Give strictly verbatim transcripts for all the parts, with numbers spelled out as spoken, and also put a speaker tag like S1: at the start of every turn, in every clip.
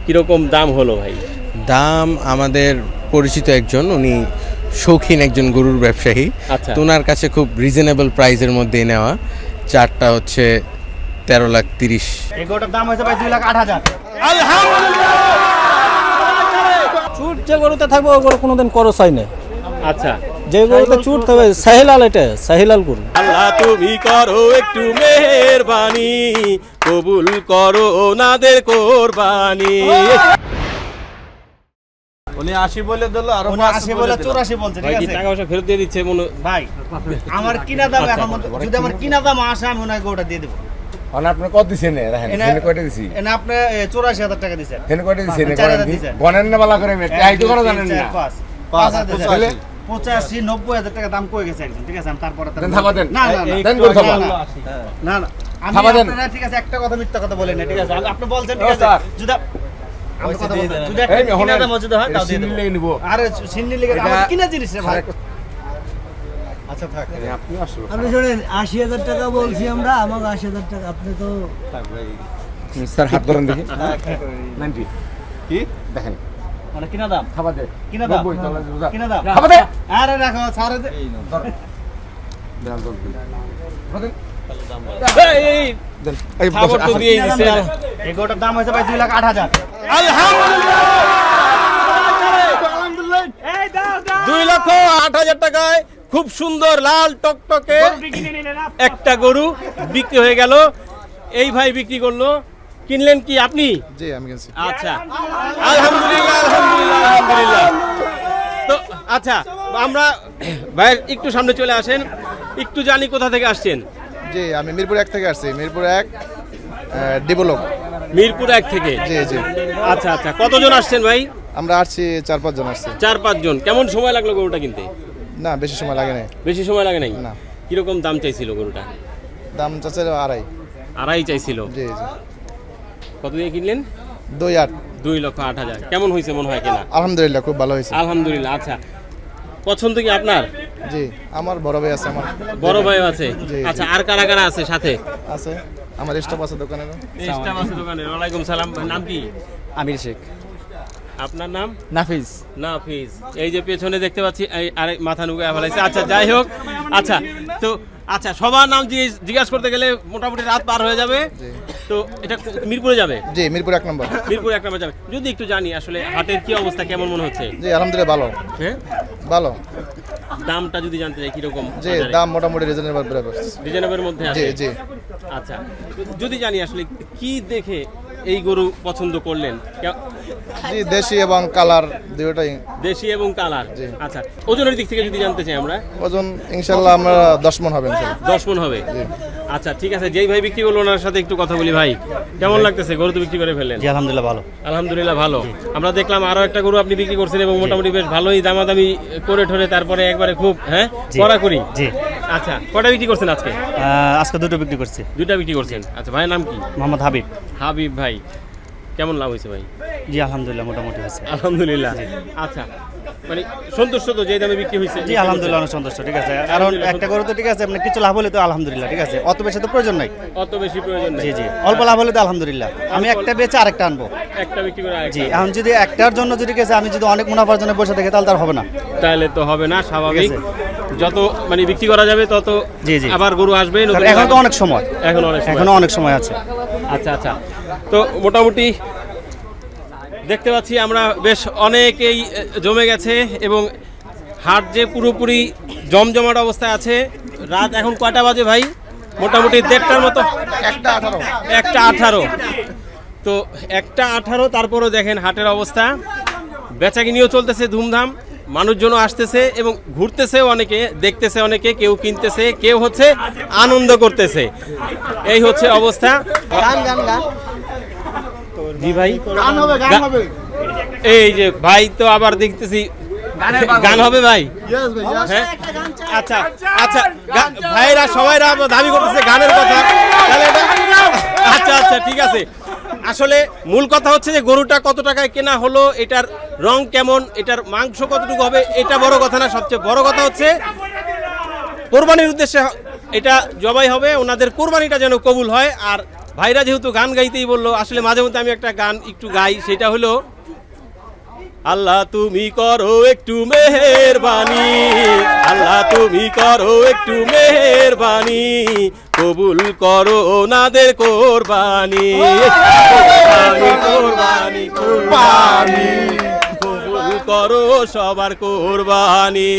S1: কিরকম দাম হলো ভাই?
S2: দাম আমাদের পরিচিত একজন, উনি শৌখিন একজন গরুর ব্যবসায়ী।
S1: আচ্ছা।
S2: তো ওনার কাছে খুব রিজনেবল প্রাইসের মধ্যেই নেওয়া। চারটা হচ্ছে তেরো লাখ তিরিশ।
S3: এই গরুটার দাম হয়েছে ভাই দুই লাখ আট হাজার।
S4: চুট যে গরুতে থাকবে ওই গরু কোনোদিন করস হয় না।
S1: আচ্ছা,
S4: যে গরুতে চুট থাকবে সাহিলাল, এটা সাহিলাল গরু।
S1: আল্লাহ তুমি করো একটু মেহেরবানি, কবুল করো ওনাদের কোরবানি।
S5: উনি আশি বলে দিল আর
S3: উনি আশি বলে চৌরাশি বলছে,
S1: ভাই
S3: ঠিক
S1: কি
S3: আছে
S1: টাকা পয়সা ফেরত দিয়ে দিচ্ছে মনে?
S3: ভাই আমার কিনা দাম এখন মতো- যদি আমার কিনা দাম আসে আমি ওনাকে গরুটা দিয়ে দেবো।
S5: আপনি কত দিছেন? দেখেন
S3: এনে-
S5: হেনে কয়টা দিছি,
S3: এনে আপনি চৌরাশি হাজার টাকা দিচ্ছেন।
S5: হেনে কয়টা দিছি, হেনে
S3: চার
S5: কয়টা
S3: হাজার
S5: দিছি
S3: দিছেন।
S5: গণেন না বালা করে মেয়ে তাই তো কোনো জানেন না।
S3: পাঁচ
S5: পাঁচ,
S3: হাজার দিছেন।
S5: তাহলে?
S3: পঁচাশি নব্বই হাজার টাকা দাম কয়ে গেছে একজন, ঠিক আছে আমি তারপরে তার-
S5: দেন থাবা দেন।
S3: না না না,
S5: দেন গরু থাবা।
S3: না, না না আমি
S5: থাবা দেন।
S3: আপনারা ঠিক আছে একটা কথা মিথ্যা কথা বলেন না, ঠিক আছে আপনি বলছেন, ঠিক
S5: ও,
S3: আছে
S5: স্যার।
S3: যদি আমি কথা বলবো, যদি
S5: এই
S3: একটা
S5: মেয়ে,
S3: কিনা
S5: হলেন।
S3: দাম যদি হয় তাও দিয়ে
S5: সিন্নি
S3: দেবো।
S5: লেগে নিবো।
S3: আরে সিন্নি লেগে
S5: এটা-
S3: আমার কিনা জিনিস রে ভাই। আচ্ছা থাক।
S5: আপনি আসলো
S6: আপনি শোনেন, আশি হাজার টাকা বলছি আমরা, আমাকে আশি হাজার টাকা আপনি তো
S5: স্যার হাত ধরেন দেখি। নাইনটি কি দেখেন
S3: মানে কিনা দাম,
S5: খাবার দে
S3: কিনা দাম,
S5: নব্বই, তাহলে বুঝা।
S3: কিনা দাম।
S5: খাবার দে
S3: আরে রাখো ছাড়ে দে।
S5: দেন দল দিন। খাবার দেন।
S1: এই, এই,
S5: দেন। এই
S1: খাবার তো
S5: বসে-
S1: দিয়েই
S3: কিনা
S1: দিছে।
S3: দাম দাও। এই গরুটার দাম হয়েছে ভাই দুই লাখ আট হাজার।
S1: দুই লক্ষ আট হাজার টাকায় খুব সুন্দর লাল টকটকে একটা গরু বিক্রি হয়ে গেল। এই ভাই বিক্রি করলো। কিনলেন কি আপনি?
S7: জি আমি কিনছি।
S1: আচ্ছা, আলহামদুলিল্লাহ আলহামদুলিল্লাহ আলহামদুলিল্লাহ। তো আচ্ছা, আমরা ভাই একটু সামনে চলে আসেন, একটু জানি কোথা থেকে আসছেন।
S7: জি আমি মিরপুর এক থেকে আসছি। মিরপুর এক ডেভেলপ।
S1: মিরপুর এক থেকে।
S7: জি জি
S1: আচ্ছা আচ্ছা, কতজন আসছেন ভাই?
S7: আমরা আসছি চার পাঁচ জন আসছি।
S1: চার পাঁচ জন। কেমন সময় লাগলো গরুটা কিনতে?
S7: না বেশি সময় লাগে না।
S1: বেশি সময় লাগে নাই?
S7: না।
S1: কিরকম দাম চাইছিল গরুটা?
S7: দাম চাচ্ছে আড়াই।
S1: আড়াই চাইছিল।
S7: জি জি
S1: কত দিয়ে কিনলেন?
S7: দুই আট।
S1: দুই লক্ষ আট হাজার। কেমন হয়েছে মনে হয় কেনা?
S7: আলহামদুলিল্লাহ খুব ভালো হয়েছে।
S1: আলহামদুলিল্লাহ। আচ্ছা, পছন্দ কি আপনার?
S7: জি আমার বড় ভাই আছে, আমার
S1: বড় ভাই আছে।
S7: জি,
S1: আচ্ছা, আর কারা কারা আছে সাথে?
S7: আছে, আমার স্টাফ আছে দোকানে।
S1: স্টাফ আছে দোকানে। ওয়ালাইকুম সালাম। নাম কি?
S4: আমির শেখ।
S1: আপনার নাম?
S4: নাফিজ।
S1: নাফিজ। এই যে পেছনে দেখতে পাচ্ছি, এই আরেক মাথা নুকায় ফেলাইছে। আচ্ছা যাই হোক, আচ্ছা তো আচ্ছা সবার নাম জিজ্ঞেস- জিজ্ঞাসা করতে গেলে মোটামুটি রাত পার হয়ে যাবে। তো এটা মিরপুরে যাবে?
S7: জি মিরপুর এক নম্বর।
S1: মিরপুর এক নম্বর যাবে। যদি একটু জানি আসলে হাটের কি অবস্থা, কেমন মনে হচ্ছে?
S7: জি আলহামদুলিল্লাহ ভালো
S1: হ্যাঁ,
S7: ভালো।
S1: দামটা যদি জানতে চাই কিরকম?
S7: জি দাম মোটামুটি রিজনেবল বরাবর।
S1: রিজনেবলের মধ্যে
S7: জি
S1: আছে।
S7: জি
S1: আচ্ছা, যদি জানি আসলে কি দেখে এই গরু পছন্দ করলেন? কে-
S7: জি দেশি এবং কালার দুটোটাই।
S1: দেশি এবং কালার।
S7: জি।
S1: আচ্ছা, ওজনের দিক থেকে যদি জানতে চাই আমরা?
S7: ওজন ইনশাল্লাহ আমরা দশ মন হবে ইনশাল্লাহ।
S1: দশ মন হবে। আচ্ছা ঠিক আছে, যেই ভাই বিক্রি করলো ওনার সাথে একটু কথা বলি। ভাই কেমন লাগতেছে? গরু তো বিক্রি করে ফেললেন।
S3: জি আলহামদুলিল্লাহ ভালো।
S1: আলহামদুলিল্লাহ ভালো। আমরা দেখলাম আরো একটা গরু আপনি বিক্রি করছেন এবং মোটামুটি বেশ ভালোই দামাদামি করে ঠরে তারপরে একবারে খুব হ্যাঁ কড়াকড়ি।
S3: জি
S1: আচ্ছা, কটা বিক্রি করছেন আজকে?
S3: আজকে দুটো বিক্রি করছি।
S1: দুইটা বিক্রি করছেন। আচ্ছা, ভাইয়ের নাম কি?
S3: মোহাম্মদ হাবিব।
S1: হাবিব ভাই, কেমন লাভ হয়েছে ভাই?
S3: জি আলহামদুলিল্লাহ মোটামুটি হয়েছে।
S1: আলহামদুলিল্লাহ। আচ্ছা, মানে সন্তুষ্ট তো যে দামে বিক্রি হয়েছে?
S3: জি আলহামদুলিল্লাহ অনেক সন্তুষ্ট, ঠিক আছে। কারণ একটা গরু তো ঠিক আছে, আপনার কিছু লাভ হলে তো আলহামদুলিল্লাহ, ঠিক আছে। অত বেশি তো প্রয়োজন নাই।
S1: অত বেশি প্রয়োজন নেই।
S3: জি জি অল্প লাভ হলে তো আলহামদুলিল্লাহ। আমি একটা বেচে আরেকটা আনবো।
S1: একটা বিক্রি করে
S3: জি
S1: আরেকটা।
S3: এখন যদি একটার জন্য যদি গেছে আমি যদি অনেক মুনাফার জন্য বসে থাকি তাহলে তার হবে না।
S1: তাহলে তো হবে না, স্বাভাবিক।
S3: ঠিক
S1: যত মানে বিক্রি করা যাবে তত
S3: জি, জি।
S1: আবার গরু আসবে। নতুন
S3: কারণ এখন তো
S1: গরু-
S3: অনেক সময়,
S1: এখন অনেক সময়
S3: এখনো
S1: আছে।
S3: অনেক সময় আছে।
S1: আচ্ছা আচ্ছা, তো মোটামুটি দেখতে পাচ্ছি আমরা বেশ অনেকেই এ, জমে গেছে এবং হাট যে পুরোপুরি জমজমাট অবস্থায় আছে। রাত এখন কয়টা বাজে ভাই? মোটামুটি দেড়টার মতো।
S7: একটা আঠারো।
S1: একটা আঠারো। তো একটা আঠারো, তারপরও দেখেন হাটের অবস্থা। বেচাকিনিও চলতেছে ধুমধাম, মানুষজনও আসতেছে এবং ঘুরতেছে অনেকে, দেখতেছে অনেকে, কেউ কিনতেছে, কেউ হচ্ছে আনন্দ করতেছে। এই হচ্ছে অবস্থা।
S6: গান গান গান
S1: জি ভাই,
S7: গান হবে গান
S1: গা-
S7: হবে।
S1: এই যে ভাই তো আবার দেখতেছি গান হবে ভাই।
S7: ইয়েস ভাই ইয়েস।
S1: হ্যাঁ আচ্ছা আচ্ছা, গা- ভাইরা সবাইরা আবার দাবি করতেছে গানের কথা। তাহলে এটা- আচ্ছা আচ্ছা ঠিক আছে। আসলে মূল কথা হচ্ছে যে গরুটা কত টাকায় কেনা হলো, এটার রং কেমন, এটার মাংস কতটুকু হবে, এটা বড় কথা না। সবচেয়ে বড় কথা হচ্ছে কোরবানির উদ্দেশ্যে এটা জবাই হবে, ওনাদের কোরবানিটা যেন কবুল হয়। আর ভাইরা যেহেতু গান গাইতেই বললো, আসলে মাঝে মধ্যে আমি একটা গান একটু গাই, সেটা হলো আল্লাহ তুমি করো একটু মেহেরবানি, আল্লাহ তুমি করো একটু মেহেরবানি, কবুল করো ওনাদের কোরবানি, কোরবানি কোরবানি কোরবানি, কবুল করো সবার কোরবানি।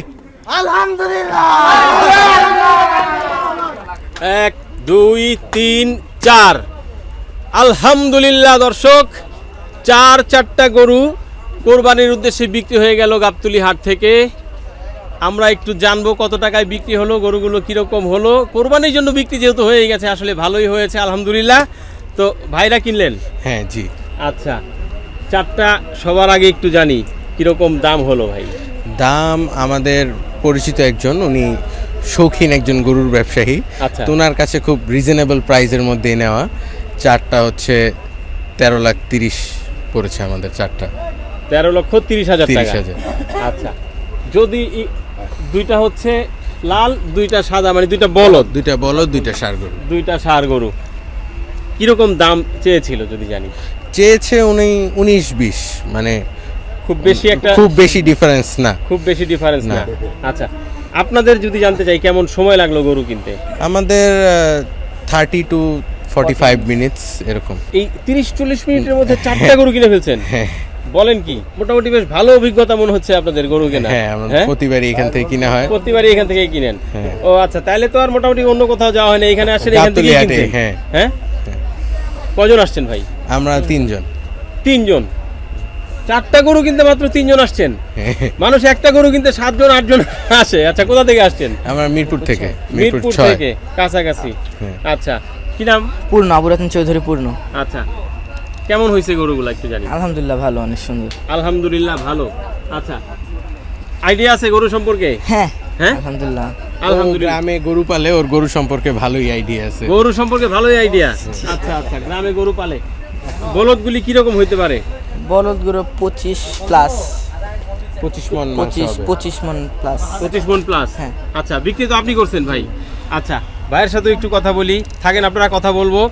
S1: এক দুই তিন চার, আলহামদুলিল্লাহ। দর্শক, চার চারটা গরু কোরবানির উদ্দেশ্যে বিক্রি হয়ে গেল গাবতলী হাট থেকে। আমরা একটু জানবো কত টাকায় বিক্রি হলো, গরুগুলো কিরকম হলো। কোরবানির জন্য বিক্রি যেহেতু হয়ে গেছে, আসলে ভালোই হয়েছে আলহামদুলিল্লাহ। তো ভাইরা কিনলেন?
S2: হ্যাঁ জি।
S1: আচ্ছা, চারটা সবার আগে একটু জানি কিরকম দাম হলো ভাই।
S2: দাম আমাদের পরিচিত একজন, উনি শৌখিন একজন গরুর ব্যবসায়ী,
S1: আচ্ছা।
S2: তো ওনার কাছে খুব রিজনেবল প্রাইসের মধ্যে নেওয়া। চারটা হচ্ছে তেরো লাখ তিরিশ পড়েছে আমাদের চারটা।
S1: তেরো লক্ষ তিরিশ হাজার
S2: তিরিশ
S1: টাকা।
S2: হাজার।
S1: আচ্ছা, যদি ই- দুইটা হচ্ছে লাল, দুইটা সাদা, মানে দুইটা বলদ,
S2: দুইটা বলদ, দুইটা ষাঁড় গরু।
S1: দুইটা ষাঁড় গরু, কিরকম দাম চেয়েছিল যদি জানি?
S2: চেয়েছে উনি উনিশ বিশ, মানে
S1: খুব বেশি একটা,
S2: খুব বেশি ডিফারেন্স না।
S1: খুব বেশি ডিফারেন্স না।
S2: না।
S1: আচ্ছা, আপনাদের যদি জানতে চাই কেমন সময় লাগলো গরু কিনতে?
S2: আমাদের thirty two forty five minutes এরকম।
S1: এই তিরিশ চল্লিশ মিনিটের মধ্যে চারটা গরু কিনে ফেলছেন?
S2: হ্যাঁ
S1: বলেন কি, মোটামুটি বেশ ভালো অভিজ্ঞতা মনে হচ্ছে আপনাদের গরু কেনা।
S2: হ্যাঁ, আমরা
S1: হ্যাঁ?
S2: প্রতিবারই এখান থেকে কিনা হয়।
S1: প্রতিবারই এখান থেকেই কিনেন?
S2: হ্যাঁ।
S1: ও আচ্ছা, তাহলে তো আর মোটামুটি অন্য কোথাও যাওয়া হয় না, এখানে আসেন, এখান
S2: গাবতলী
S1: থেকেই
S2: হাটে,
S1: কিনছেন।
S2: হ্যাঁ।
S1: হ্যাঁ, কজন আসছেন ভাই?
S2: আমরা তিনজন।
S1: তিনজন। চারটা গরু কিনতে মাত্র তিনজন আসছেন?
S2: হ্যাঁ।
S1: মানুষ একটা গরু কিনতে সাতজন আটজন আসে। আচ্ছা, কোথা থেকে আসছেন?
S2: আমরা মিরপুর থেকে,
S1: মিরপুর
S2: ছয়।
S1: থেকে, কাছাকাছি।
S2: হ্যাঁ।
S1: আচ্ছা, কি নাম?
S8: পূর্ণ, আবুরাতন চৌধুরী পূর্ণ।
S1: আচ্ছা, কেমন হয়েছে গরুগুলো একটু জানি?
S8: আলহামদুলিল্লাহ ভালো, অনেক সুন্দর।
S1: আলহামদুলিল্লাহ ভালো। আচ্ছা, আইডিয়া আছে গরু সম্পর্কে?
S8: হ্যাঁ
S1: হ্যাঁ,
S8: আলহামদুলিল্লাহ।
S2: ও
S1: আলহামদুলিল্লাহ।
S2: গ্রামে গরু পালে, ওর গরু সম্পর্কে ভালোই আইডিয়া আছে।
S1: গরু সম্পর্কে ভালোই আইডিয়া। আচ্ছা আচ্ছা, গ্রামে গরু পালে। বলদগুলি কিরকম হইতে পারে?
S8: বলদগুলো পঁচিশ প্লাস,
S2: পঁচিশ মন মাংস
S8: পঁচিশ
S2: হবে।
S8: পঁচিশ মন প্লাস।
S1: পঁচিশ মন প্লাস।
S8: হ্যাঁ।
S1: আচ্ছা, বিক্রি তো আপনি করছেন ভাই। আচ্ছা, ভাইয়ের সাথে একটু কথা বলি, থাকেন, আপনারা কথা বলবো।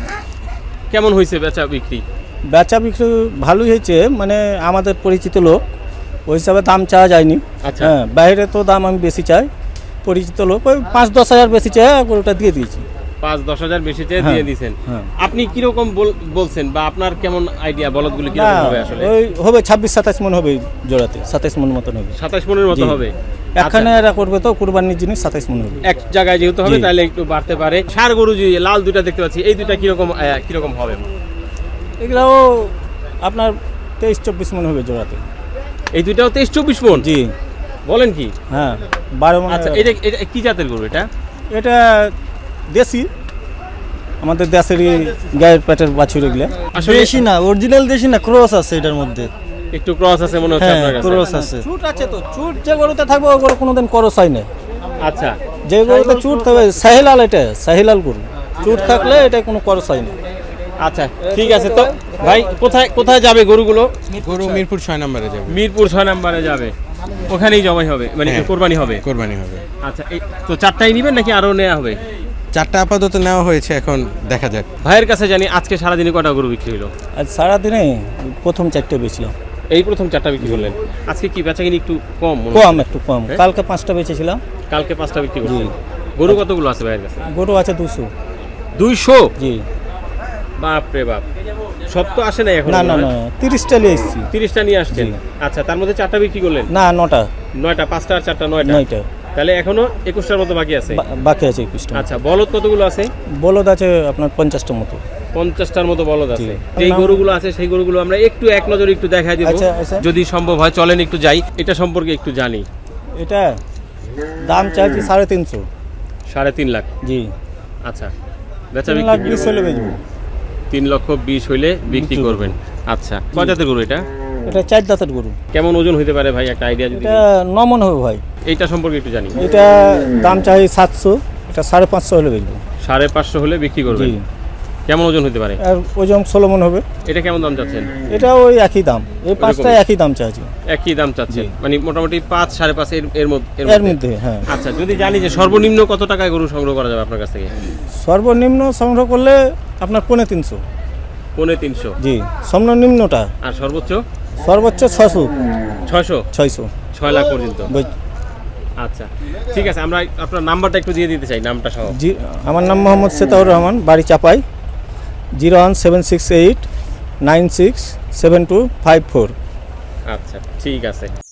S1: কেমন হয়েছে বেচা বিক্রি?
S4: বেচা বিক্রি ভালোই হয়েছে, মানে আমাদের পরিচিত লোক, ওই হিসাবে দাম চাওয়া যায়নি।
S1: আচ্ছা।
S4: হ্যাঁ, বাইরে তো দাম আমি বেশি চাই, পরিচিত লোক ওই পাঁচ দশ হাজার বেশি চাই, ওটা দিয়ে দিয়েছি।
S1: পাঁচ দশ হাজার বেশি চেয়ে
S4: হ্যাঁ,
S1: দিয়ে দিয়েছেন।
S4: হ্যাঁ।
S1: আপনি কিরকম বল- বলছেন, বা আপনার কেমন আইডিয়া বলদগুলি
S4: না,
S1: কিরকম হবে আসলে?
S4: ওই হবে ছাব্বিশ সাতাশ মন হবে জোড়াতে, সাতাইশ মন মতন হবে।
S1: সাতাশ মনের মতো
S4: জি।
S1: হবে।
S4: এখানে
S1: আচ্ছা,
S4: এরা করবে তো কুরবানির জিনিস, সাতাইশ মন হবে।
S1: এক জায়গায় যেহেতু হবে,
S4: জি।
S1: তাহলে একটু বাড়তে পারে। ষাঁড় গরু যে লাল দুইটা দেখতে পাচ্ছি, এই দুইটা কিরকম আহ, কিরকম হবে?
S4: এগুলাও আপনার তেইশ চব্বিশ মন হবে জোড়াতে।
S1: এই দুইটাও তেইশ চব্বিশ মন?
S4: জি।
S1: বলেন কি?
S4: হ্যাঁ, বারো মন।
S1: আচ্ছা, এটা এটা কি জাতের গরু এটা?
S4: এটা দেশি, আমাদের দেশেরই গায়ের পেটের বাছুর এগুলা।
S1: আসলে
S6: দেশি না, অরিজিনাল দেশি না, ক্রস আছে এটার মধ্যে।
S1: একটু ক্রস আছে মনে হচ্ছে
S6: হ্যাঁ,
S1: আপনার কাছে।
S6: ক্রস আছে।
S4: চুট আছে তো, চুট যে গরুতে থাকবে ও গরু কোনোদিন করস হয় না।
S1: আচ্ছা
S4: যে গরুতে চুট থাকবে, সাহিলাল, এটা সাহিলাল গরু, চুট থাকলে এটা কোনো করস হয় না।
S1: আচ্ছা, ঠিক আছে। তো ভাই, কোথায় কোথায় যাবে গরুগুলো?
S2: গরু মিরপুর ছয় নম্বরে যাবে।
S1: মিরপুর ছয় নম্বরে যাবে, ওখানেই জবাই হবে, মানে
S2: হ্যাঁ।
S1: কোরবানি হবে।
S2: কোরবানি হবে।
S1: আচ্ছা, এই তো চারটাই নেবেন নাকি আরো নেওয়া হবে?
S2: চারটা আপাতত নেওয়া হয়েছে, এখন দেখা যাক।
S1: ভাইয়ের কাছে জানি আজকে সারাদিনে কটা গরু বিক্রি হলো?
S4: আজ সারাদিনে প্রথম চারটে বেছিলাম।
S1: এই প্রথম চারটা বিক্রি করলেন। আজকে কি বেচা কিনি একটু কম মনে
S4: কম,
S1: হচ্ছে?
S4: একটু কম।
S1: হ্যাঁ?
S4: কালকে পাঁচটা বেচেছিলাম।
S1: কালকে পাঁচটা বিক্রি
S4: জি।
S1: করছেন। গরু কতগুলো আছে ভাইয়ের কাছে?
S4: গরু আছে দুশো।
S1: দুইশো?
S4: জি।
S1: বাপ রে বাপ, সব তো আসে নাই এখন?
S4: না না না, তিরিশটা নিয়ে এসেছি।
S1: তিরিশটা নিয়ে আসছেন?
S4: জি।
S1: আচ্ছা, তার মধ্যে চারটা বিক্রি করলেন?
S4: না, নটা।
S1: নয়টা, পাঁচটা আর চারটা, নয়টা।
S4: নয়টা।
S1: তাহলে এখনো একুশটার মতো বাকি আছে।
S4: বা- বাকি আছে একুশটা।
S1: আচ্ছা, বলদ কতগুলো আছে?
S4: বলদ আছে আপনার পঞ্চাশটার মতো।
S1: পঞ্চাশটার মতো বলদ আছে।
S4: জি।
S1: যেই গরুগুলো আছে সেই গরুগুলো আমরা একটু এক নজরে একটু দেখা দিব,
S4: আচ্ছা, আচ্ছা।
S1: যদি সম্ভব হয়। চলেন একটু যাই, এটা সম্পর্কে একটু জানি।
S4: এটা দাম চাইছি সাড়ে তিনশো।
S1: সাড়ে তিন লাখ?
S4: জি।
S1: আচ্ছা, বেচা
S4: তিন
S1: বিক্রি
S4: লাখ
S1: কি
S4: বিশ
S1: রকম?
S4: হলে বেচবো।
S1: তিন লক্ষ বিশ হইলে বিক্রি
S4: বিক্রি
S1: করবেন। আচ্ছা, কয় জাতের গরু এটা?
S4: এটা চার দাঁতের গরু।
S1: কেমন ওজন হইতে পারে ভাই, একটা আইডিয়া যদি?
S4: এটা নমন হবে ভাই।
S1: এইটা সম্পর্কে একটু জানি।
S4: এটা দাম চাই সাতশো, এটা সাড়ে পাঁচশো হলে বেচবো।
S1: সাড়ে পাঁচশো হলে বিক্রি করবেন।
S4: জি।
S1: কেমন ওজন হতে পারে?
S4: আর ওজন ষোলো মন হবে।
S1: এটা কেমন দাম চাচ্ছেন?
S4: এটা ওই একই দাম, এই পাঁচটা একই দাম চাইছি।
S1: একই দাম চাচ্ছেন মানে মোটামুটি পাঁচ সাড়ে পাঁচ এর এর মধ্যে এর
S4: এর
S1: মধ্যে।
S4: মধ্যে হ্যাঁ
S1: আচ্ছা যদি জানি যে সর্বনিম্ন কত টাকায় গরু সংগ্রহ করা যাবে আপনার কাছ থেকে?
S4: সর্বনিম্ন সংগ্রহ করলে আপনার পৌনে তিনশো
S1: পৌনে তিনশো।
S4: জি সর্বনিম্নটা
S1: আর সর্বোচ্চ
S4: সর্বোচ্চ ছশো
S1: ছয়শো
S4: ছয়শো
S1: ছয় লাখ পর্যন্ত।
S4: বুঝ-
S1: আচ্ছা ঠিক আছে, আমরা আপনার নাম্বারটা একটু দিয়ে দিতে চাই, নামটা সহ।
S4: জি আমার নাম মোহাম্মদ সেতাউর রহমান, বাড়ি Chapai, zero one seven six eight nine six seven two five four.
S1: আচ্ছা ঠিক আছে।